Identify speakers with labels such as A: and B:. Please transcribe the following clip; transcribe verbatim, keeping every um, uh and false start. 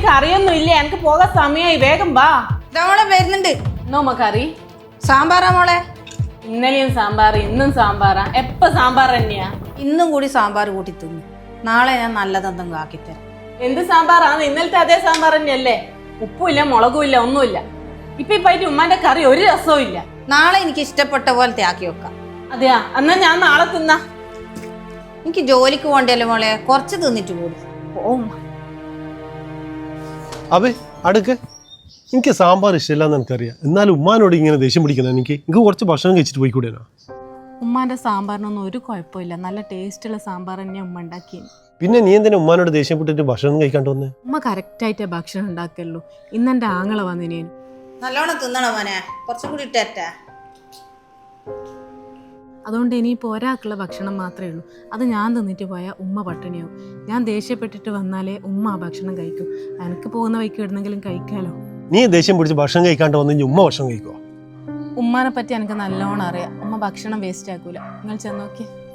A: കറിയൊന്നും ഇല്ല, എനിക്ക് പോകാൻ സമയമായി, വേഗം വാ.
B: മോളെ വരുന്നുണ്ട്.
A: നോമ കറി
B: സാമ്പാറാ മോളെ.
A: ഇന്നലെയും സാമ്പാർ, ഇന്നും സാമ്പാറാ. എപ്പ സാമ്പാർ തന്നെയാ?
B: ഇന്നും കൂടി സാമ്പാർ കൂട്ടി തിന്നു. നാളെ ഞാൻ നല്ലതെന്തെങ്കിലും ആക്കിത്തരാം.
A: എന്ത് സാമ്പാറാണ്? ഇന്നലത്തെ അതേ സാമ്പാർ തന്നെയല്ലേ? ഉപ്പുമില്ല, മുളകുമില്ല, ഒന്നുമില്ല. ഇപ്പൊ ഇപ്പായിട്ട് ഉമ്മാന്റെ കറി ഒരു രസവും ഇല്ല.
B: നാളെ എനിക്ക് ഇഷ്ടപ്പെട്ട പോലത്തെ ആക്കി വെക്കാം.
A: അതെയാ, എന്നാ ഞാൻ നാളെ തിന്നാ.
B: എനിക്ക് ജോലിക്ക് പോകണ്ടല്ലോ മോളെ, കുറച്ച് തിന്നിട്ട് കൂടി ഓ.
C: അബേ അടുക്ക്, എനിക്ക് സാമ്പാർ ഇഷ്ടമില്ലാന്ന് എനിക്കറിയാം. എന്നാലും ഉമ്മാനോട് ഇങ്ങനെ ദേഷ്യം പിടിക്കണം. എനിക്ക് എനിക്ക് കുറച്ച് ഭക്ഷണം കഴിച്ചിട്ട് പോയിക്കൂടെയാ?
A: ഉമ്മാന്റെ സാമ്പാറിനൊന്നും ഒരു കുഴപ്പമില്ല, നല്ല ടേസ്റ്റുള്ള സാമ്പാർ തന്നെയാ ഉമ്മ ഉണ്ടാക്കിയത്.
C: പിന്നെ നീ എന്തിനാ ഉമ്മാനോട് ദേഷ്യപ്പെട്ടിട്ട് ഭക്ഷണം കഴിക്കാണ്ട് വന്നേ?
A: ഉമ്മ കറക്റ്റായിട്ടേ ഭക്ഷണം ഉണ്ടാക്കല്ലോ. ഇന്നെന്റെ ആങ്ങളെ വന്നിനേനു.
B: നല്ലോണം തിന്നണോ മോനെ? കുറച്ചും കൂടി ഇട്ടേറ്റാ.
A: അതുകൊണ്ട് ഇനിയിപ്പോൾ ഒരാൾക്കുള്ള ഭക്ഷണം മാത്രമേ ഉള്ളൂ. അത് ഞാൻ തിന്നിട്ട് പോയാൽ ഉമ്മ പട്ടിണിയാവും. ഞാൻ ദേഷ്യപ്പെട്ടിട്ട് വന്നാലേ ഉമ്മ ആ ഭക്ഷണം കഴിക്കും. എനിക്ക് പോകുന്ന വഴിക്ക് ഇടുന്നെങ്കിലും കഴിക്കാലോ.
C: നീ ദേഷ്യം പിടിച്ച് ഭക്ഷണം കഴിക്കാണ്ട് വന്നു ഉമ്മ ഭക്ഷണം കഴിക്കുവോ?
A: ഉമ്മാനെ പറ്റി എനിക്ക് നല്ലോണം അറിയാം. ഉമ്മ ഭക്ഷണം വേസ്റ്റ് ആക്കൂല. നിങ്ങൾ ചെന്നോക്കി.